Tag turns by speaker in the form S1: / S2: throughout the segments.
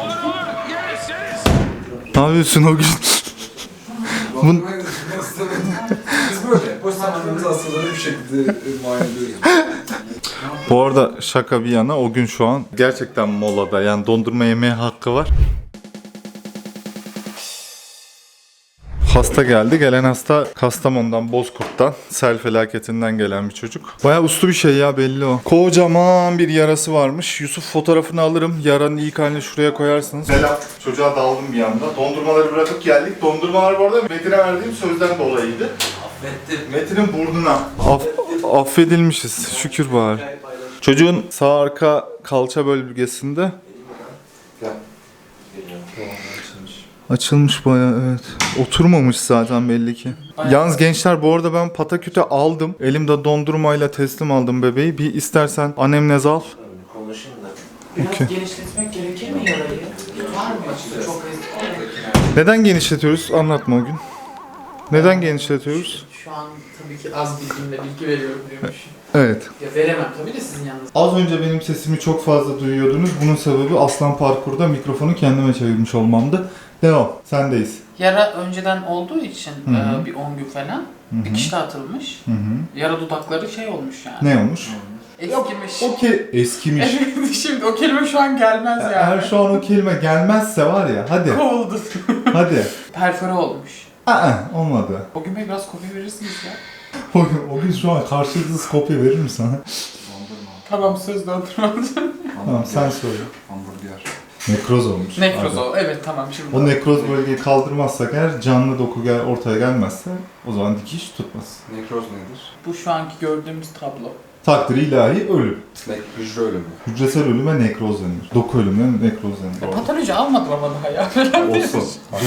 S1: Ne yapıyorsun o gün?
S2: Biz böyle boş zamanlarımızı hastaları bir şekilde muayene ediyoruz.
S1: Bu arada şaka bir yana o gün şu an gerçekten molada, yani dondurma yemeye hakkı var. Hasta geldi. Gelen hasta Kastamonu'dan, Bozkurt'tan, sel felaketinden gelen bir çocuk. Bayağı uslu bir şey ya, belli o. Kocaman bir yarası varmış. Yusuf fotoğrafını alırım. Yaranın ilk halini şuraya koyarsınız. Selam. Çocuğa daldım bir anda. Dondurmaları bırakıp geldik. Dondurmalar bu arada Metin'e verdiğim sözden dolayıydı.
S2: Affettim.
S1: Metin'in burnuna. Affedilmişiz. Şükür bari. Çocuğun sağ arka kalça bölgesinde açılmış bayağı, evet. Oturmamış zaten belli ki. Yalnız gençler, bu arada ben pataküte aldım. Elimde dondurmayla teslim aldım bebeği. Bir istersen anemnez al.
S3: Konuşayım da.
S4: Biraz genişletmek gerekir mi yarayı? Var mı? Çok eski.
S1: Neden genişletiyoruz? Anlatma o gün. Neden genişletiyoruz?
S4: Şu an tabii ki az bilgimle bilgi veriyorum diyormuş.
S1: Evet.
S4: Ya veremem tabii de sizin yanınızda.
S1: Az önce benim sesimi çok fazla duyuyordunuz. Bunun sebebi Aslan Parkur'da mikrofonu kendime çevirmiş olmamdı. Devam. Sendeyiz.
S4: Yara önceden olduğu için
S1: Hı.
S4: bir 10 gün falan
S1: Hı.
S4: dikişte atılmış.
S1: Hı.
S4: Yara dudakları şey olmuş yani.
S1: Ne olmuş?
S4: Eskimiş.
S1: Eskimiş.
S4: Evet, şimdi o kelime şu an gelmez yani.
S1: Eğer şu an o kelime gelmezse var ya, hadi.
S4: Kovuldu.
S1: Hadi.
S4: Perfore olmuş.
S1: Olmadı.
S4: O gün Bey biraz kopya verirsiniz ya.
S1: O gün şu an karşılıksız kopya verir mi sana?
S4: Tamam, söz dondurmam.
S1: Tamam, sen söyle.
S2: Hamburger.
S1: Nekroz olmuş.
S4: Nekroz
S1: Hadi.
S4: o. Evet, tamam şimdi.
S1: O nekroz bölgeyi kaldırmazsak eğer, canlı doku ortaya gelmezse o zaman dikiş tutmaz.
S2: Nekroz nedir?
S4: Bu şu anki gördüğümüz tablo.
S1: Takdiri ilahi ölüm.
S2: Hücre ölümü.
S1: Hücresel ölüme nekroz denir. Doku ölümüne nekroz denir.
S4: Patoloji almadım ama daha ya.
S1: Olsun.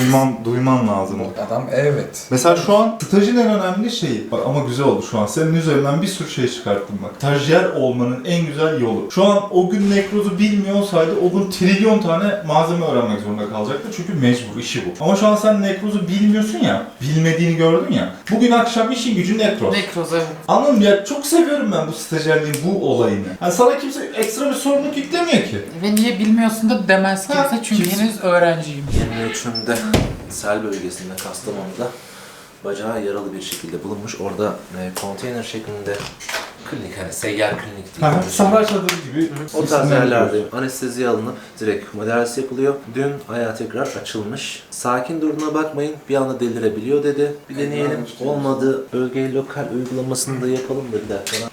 S1: Duyman lazım.
S2: Adam evet.
S1: Mesela şu an stajın en önemli şeyi, bak ama güzel oldu şu an. Senin üzerinden bir sürü şey çıkarttım bak. Stajyer olmanın en güzel yolu. Şu an o gün nekrozu bilmiyor olsaydı o gün trilyon tane malzeme öğrenmek zorunda kalacaktı. Çünkü mecbur, işi bu. Ama şu an sen nekrozu bilmiyorsun ya, bilmediğini gördün ya. Bugün akşam işin gücü nekroz.
S4: Nekroz, evet.
S1: Anladın mı ya? Çok seviyorum ben bu stajyerliğin bu olayını. Yani sana kimse ekstra bir sorumluluk yüklemiyor ki.
S4: Ve niye bilmiyorsun da demez kimse
S1: Ha,
S4: çünkü
S1: kimse-
S4: henüz öğrenciyim.
S3: 23'ünde sel bölgesinde Kastamonu'da bacağı yaralı bir şekilde bulunmuş. Orada konteyner şeklinde klinik, hani seyyar klinik diye.
S1: Sahra çadırı gibi.
S3: O tarz yerlerde anestezi alınıp direkt müdahalesi yapılıyor. Dün ayağı tekrar açılmış. Sakin durduğuna bakmayın, bir anda delirebiliyor dedi. Bir deneyelim. Olmadı, bölgeye lokal uygulamasını da yapalım dediler falan.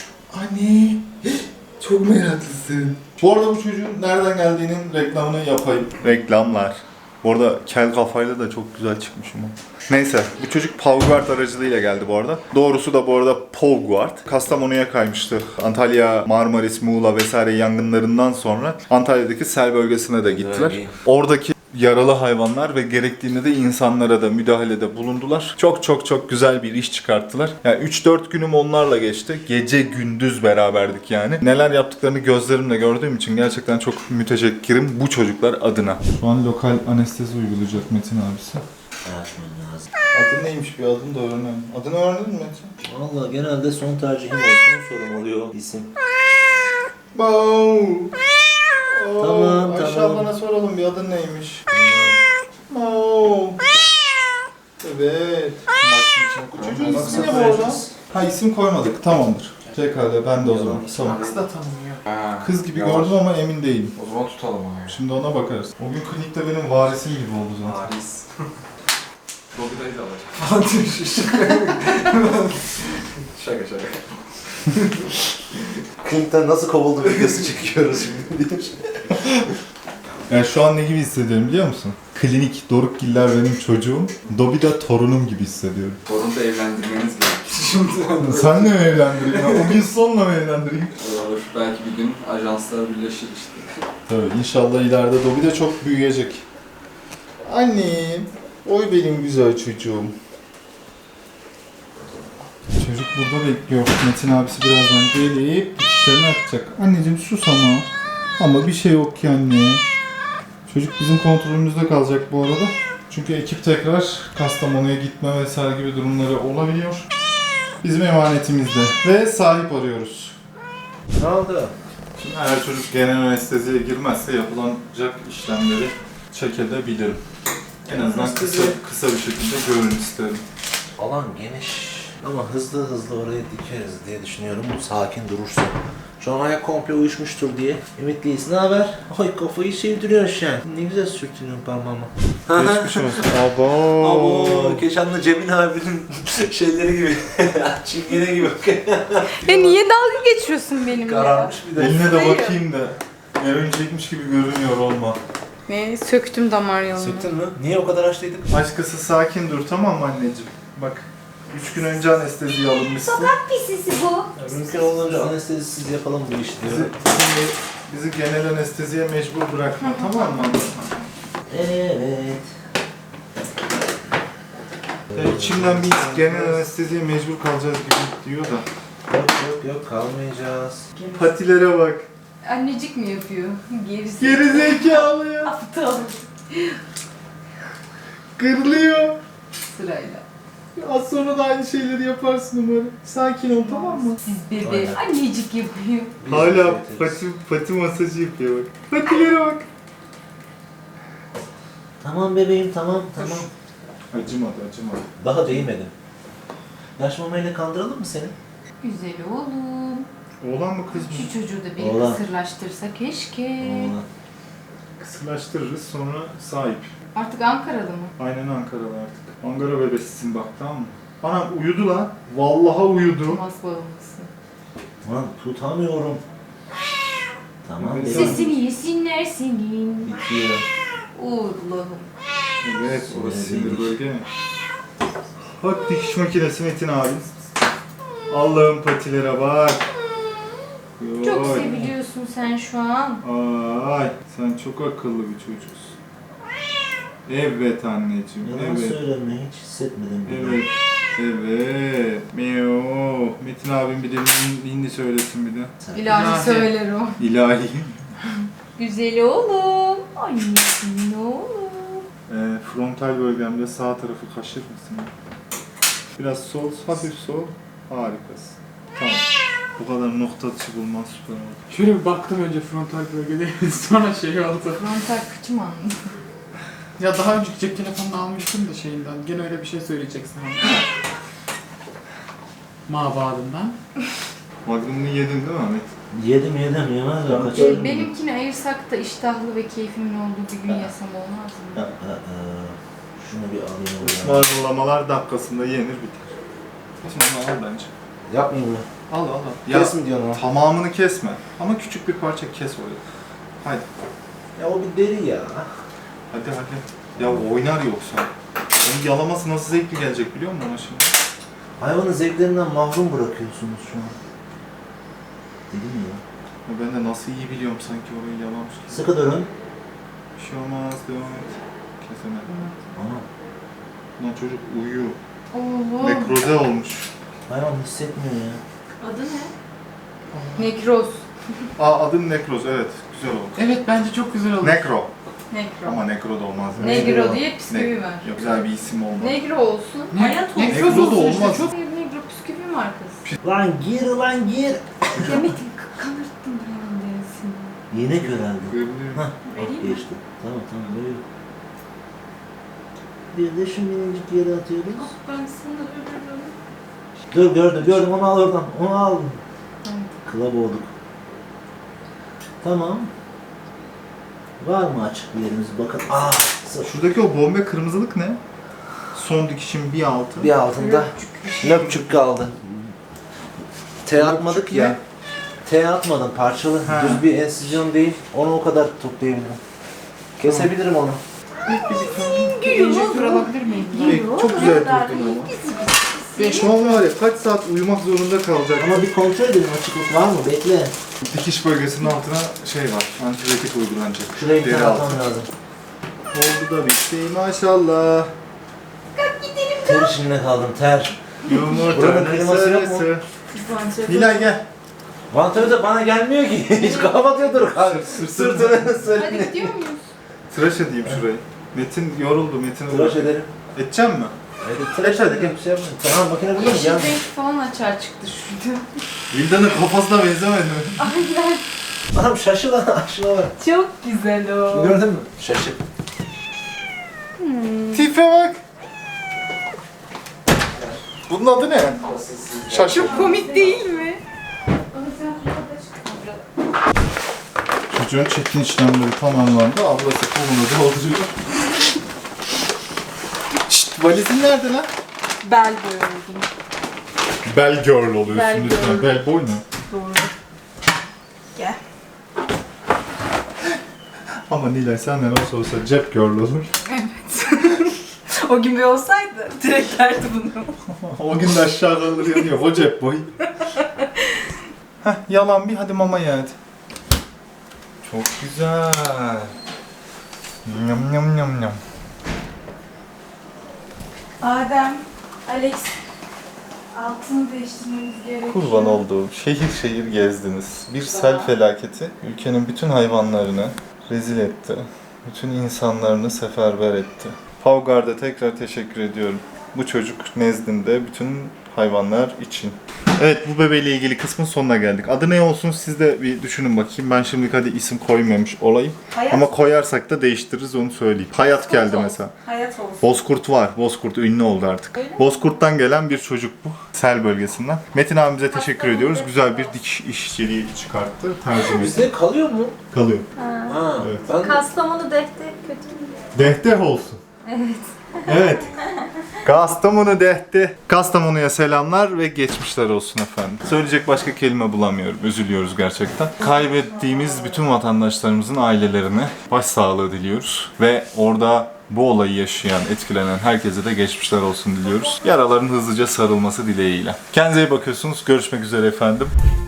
S1: Anne, çok meraklısın. Bu arada bu çocuğun nereden geldiğinin reklamını yapayım. Reklamlar. Bu arada kel kafayla da çok güzel çıkmışım o. Neyse, bu çocuk Pavguard aracılığıyla geldi bu arada. Doğrusu da bu arada Pavguard. Kastamonu'ya kaymıştı. Antalya, Marmaris, Muğla vesaire yangınlarından sonra Antalya'daki sel bölgesine de gittiler.
S3: Bölgeyi.
S1: Oradaki yaralı hayvanlar ve gerektiğinde de insanlara da müdahalede bulundular. Çok güzel bir iş çıkarttılar. Yani 3-4 günüm onlarla geçti. Gece gündüz beraberdik yani. Neler yaptıklarını gözlerimle gördüğüm için gerçekten çok müteşekkirim bu çocuklar adına. Şu an lokal anestezi uygulayacak Metin abisi.
S3: Açmam lazım.
S1: Adın neymiş, bir adını da öğrenelim. Adını öğrendin mi Metin?
S3: Valla genelde son tercihim olsun, sorum oluyor isim. Tamam,
S1: Ayşe
S3: tamam.
S1: ablana soralım, bir adın neymiş? Evet. Bu çocuğun ismi ne bu arada? Ha, isim koymadık, tamamdır. Pekala, ben de o zaman. Tamam.
S4: Kız da tanımıyor.
S1: Kız gibi gördüm ama emin değilim.
S2: O zaman tutalım abi.
S1: Şimdi ona bakarız. O gün klinikte benim varisim gibi oldu zaten.
S2: Paris. Dobby'dayı da alacak. Şaka.
S3: Klinikten nasıl kovuldu videosu çekiyoruz şimdi diye.
S1: Yani şu an ne gibi hissediyorum biliyor musun? Klinik, Dorukgiller benim çocuğum, Dobby de torunum gibi hissediyorum.
S2: Torunu da evlendirmeniz gerekir şimdi.
S1: Senle mi evlendireyim ya? O gün sonla mı evlendireyim?
S2: Olur. Belki bir gün ajanslar birleşir işte.
S1: Tabii inşallah ileride Dobby de çok büyüyecek. Annem, oy benim güzel çocuğum. Çocuk burada bekliyor. Metin abisi birazdan gelip dikişlerini atacak. Anneciğim sus ama. Ama bir şey yok ki anne. Çocuk bizim kontrolümüzde kalacak bu arada. Çünkü ekip tekrar Kastamonu'ya gitme vesaire gibi durumları olabiliyor. Bizim emanetimizde. Ve sahip arıyoruz.
S3: Ne oldu?
S1: Eğer çocuk genel anesteziye girmezse yapılacak işlemleri çekebilirim. En azından kısa bir şekilde görün isterim.
S3: Alan geniş ama hızlı hızlı oraya dikeriz diye düşünüyorum. Sakin durursa. Şu an ayak komple uyuşmuştur diye ümitliyiz. Ne haber? Ay kafayı sevdiriyorsun sen. Ne güzel sürtünüyorsun parmağıma.
S1: Geçmiş olsun. Abo.
S3: Abo, Keşan'la Cemil abinin şeyleri gibi. Çingene gibi.
S5: Ya niye dalga geçiyorsun benimle?
S3: Kararmış bir de.
S1: Eline de
S5: Hayır.
S1: bakayım da. Örümcekmiş gibi görünüyor olma.
S5: Ne? Söktüm damar yolunu.
S3: Sıktın mı? Niye o kadar açtıydık?
S1: Aşkısı sakin dur, tamam mı anneciğim? Bak 3 gün önce anesteziye alınmışsın.
S5: Pisisi bu.
S3: Mümkün olduğunca anestezisiz yapalım bu işi diyor.
S1: Bizi genel anesteziye mecbur bırakma, tamam mı?
S3: Evet.
S1: Ya içimden bir genel anesteziye mecbur kalacağız gibi diyor da.
S3: Yok kalmayacağız.
S1: Patilere bak.
S5: Annecik mi yapıyor? Gerisi.
S1: Gerizekalı ya.
S5: Aptal.
S1: Kırılıyor.
S5: Sırayla.
S1: Az sonra da aynı şeyleri yaparsın umarım. Sakin ol, tamam mı?
S5: Siz bebe
S3: Aynen.
S5: annecik yapıyor.
S3: Biz
S1: Hala
S3: yeteriz.
S1: pati masajı yapıyor bak. Patilere bak.
S3: Tamam bebeğim tamam.
S1: Acımadı.
S3: Daha değmedim. Yaş mamayla kandıralım mı seni?
S5: Güzel oğlum.
S1: Oğlan mı kız mı?
S5: Şu çocuğu da bir
S3: Oğlan.
S5: kısırlaştırsa keşke.
S3: Oğlan.
S1: Kısırlaştırırız, sonra sahip.
S5: Artık Ankaralı mı?
S1: Aynen Ankara'da artık. Ankara bebesisin bak, tamam mı? Anam uyudu lan. Vallahi uyudu.
S5: Tumas bağımlısı.
S3: Lan tutamıyorum. Tamam
S1: Neyse.
S3: bebeğim.
S5: Sesini yesinler senin.
S3: Bitiyor.
S5: Allah'ım.
S1: Evet, orası
S3: Sinir
S1: sinir
S3: değil.
S1: bölge mi? Bak dikiş makinesi Metin abi. Allah'ım patilere bak.
S5: Çok
S1: Yoy.
S5: seviliyorsun sen şu an.
S1: Ay, sen çok akıllı bir çocuksun. Evet anneciğim,
S3: Yalan
S1: evet.
S3: söyleme hiç hissetmedim.
S1: Evet, evet. Meo. Metin abim bir de hindi söylesin bir de.
S3: Sen-
S5: İlahi söyler o.
S1: İlahi.
S5: Güzel oğlum. Annesin oğlum.
S1: Frontal bölgemde sağ tarafı kaşır mısın? Biraz sol, hafif sol. Harikasın. Tamam. Bu kadar nokta atışı bulman süper oldu.
S6: Şöyle bir baktım önce frontal bölgede sonra şey oldu.
S5: Frontal kıçım anladım.
S6: Ya daha önceki cep telefonunu almıştım da şeyinden. Gene öyle bir şey söyleyeceksin hani. Mabadından.
S1: Magnum'unu yedin değil mi Ahmet?
S3: Yedim yemez ya kaçırdım.
S5: Benimkini ayırsak da iştahlı ve keyfimin olduğu bir gün yesem olmaz mı?
S3: Şunu bir alayım oraya.
S1: Ismarlamalar dakikasında yenir biter. Tamam al bence.
S3: Yapmayayım mı?
S1: Al. Ya
S3: Kes mi diyorsun o?
S1: tamamını kesme. Ama küçük bir parça kes oraya. Hadi.
S3: Ya o bir deri ya.
S1: Hadi. Ya oynar yoksa. Onun yalaması nasıl zevkli gelecek biliyor musun ona şimdi?
S3: Hayvanın zevklerinden mahrum bırakıyorsunuz şu an. Dedim ya.
S1: Ya ben de nasıl iyi biliyorum sanki orayı yalamış gibi.
S3: Sıkı durun.
S1: Bir şey olmaz, devam et. Kesemedim.
S3: Ama
S1: Lan çocuk uyuyor.
S5: Oğlum.
S1: Nekroze olmuş.
S3: hayvan hissetmiyor ya.
S5: Adı ne? Nekroz.
S1: Adın Nekroz, evet. Güzel oldu.
S6: Evet bence çok güzel oldu.
S1: Nekro.
S5: Nekro.
S1: Ama Nekro da olmaz.
S5: Negro diye bisküvi var.
S1: Yok, güzel bir isim olmaz.
S5: Negro olsun.
S6: Ne?
S5: Hayat olsun.
S1: Nekro da
S6: olsun
S1: olmaz.
S6: işte, çok...
S5: Hayır, Negro bisküvi markası.
S3: Lan gir.
S5: Ya Metin kanırttın buranın derisini.
S3: Yine köreldi.
S1: Kırılıyor.
S3: Hah.
S5: Vereyim mi?
S3: Geçti. Tamam böyle. Bir de şu minicik yere atıyoruz.
S5: Ah ben sana ölürüm.
S3: Gördüm onu al oradan. Onu al.
S5: Tamam.
S3: Kıla boğduk. Tamam. Var mı açık bir yerimiz? Bakın. Sırf
S1: Şuradaki o bombe kırmızılık ne? Son dikişin bir altı.
S3: bir altında löpçük kaldı. T atmadık
S1: Löpçük
S3: ya.
S1: ne?
S3: T atmadım parçalı.
S1: Ha.
S3: Düz bir ensizyon değil. Onu o kadar toplayabilirim. Kesebilirim onu.
S6: Enjektör alabilir miyim?
S1: Çok güzel durdun ama. Şu an var ya kaç saat uyumak zorunda kalacak.
S3: Ama bir kontrol edelim açıklık var mı? Bekle.
S1: Dikiş bölgesinin altına şey var, antibiyotik uygulanacak.
S3: Şuraya bir
S1: Deri
S3: tane
S1: altı.
S3: atmam lazım.
S1: Oldu da bitti maşallah.
S3: Ter içinde kaldım ter.
S1: Yumurta
S3: Buranın kliması yok mu?
S1: sarısı. Nilay gel.
S3: Vantilatör de bana gelmiyor ki. Hiç kapatıyordur kanka. Sırtını
S5: Hadi
S3: sırtını.
S5: gidiyor muyuz?
S1: Tıraş edeyim şurayı. Metin yoruldu, Metin
S3: Tıraş ederim.
S1: Edeceğim mi?
S3: Hadi tıraş hadi gel. Bir şey yapmayın. Tamam makine burada mı?
S5: Yeşil
S3: Gel.
S5: renk falan açığa çıktı şurada.
S1: Vilda'nın kafasına benzemedi mi?
S5: Aynen.
S3: Anam şaşı lan, şuna bak.
S5: Çok güzel o.
S3: Gördün mü? Şaşı.
S1: Tipe bak. Bunun adı ne? Şaşı.
S5: Komik değil mi?
S1: Çocuğun çekim işlemleri tamamlandı. Ablası kolunu dolduruyor. Şşt, valizin nerede lan?
S5: Bel boy oldum.
S1: Bell girl oluyorsun
S5: Bell
S1: lütfen.
S5: girl.
S1: Bell boy mu?
S5: Doğru. Gel.
S1: Ama Nilay senden olsa olsa cep girl olur.
S5: O gün bir olsaydı direkt derdi bunu.
S1: O gün de aşağı kalır yanıyor. O cep boy. Heh, yalan bir hadi mama ye hadi. Çok güzel. Nyam nyam nyam nyam.
S5: Adem, Alex, altını değiştirmemiz gerekiyor.
S1: Kurban olduğum şehir şehir gezdiniz. Bir sel felaketi ülkenin bütün hayvanlarını rezil etti. Bütün insanlarını seferber etti. Pavgard'a tekrar teşekkür ediyorum. Bu çocuk nezdinde bütün hayvanlar için. Evet, bu bebeğiyle ilgili kısmın sonuna geldik. Adı ne olsun siz de bir düşünün bakayım. Ben şimdilik hadi isim koymamış olayım.
S5: Hayat,
S1: Ama koyarsak da değiştiririz onu söyleyeyim. Hayat geldi mesela.
S5: hayat olsun.
S1: Bozkurt var. Bozkurt ünlü oldu artık.
S5: Öyle mi?
S1: Bozkurt'tan gelen bir çocuk bu. Sel bölgesinden. Metin abimize teşekkür ediyoruz. Güzel bir dikiş işçiliği çıkarttı. Tercüme
S3: Bizde kalıyor mu?
S1: kalıyor.
S3: Ha.
S1: Evet.
S3: Ben
S5: Kastamonu defter kötü mü?
S1: Dehte olsun.
S5: Evet.
S1: Evet. Kastamonu dehti. Kastamonu'ya selamlar ve geçmişler olsun efendim. Söyleyecek başka kelime bulamıyorum. Üzülüyoruz gerçekten. Kaybettiğimiz bütün vatandaşlarımızın ailelerine başsağlığı diliyoruz. Ve orada bu olayı yaşayan, etkilenen herkese de geçmişler olsun diliyoruz. Yaraların hızlıca sarılması dileğiyle. Kendinize iyi bakıyorsunuz. Görüşmek üzere efendim.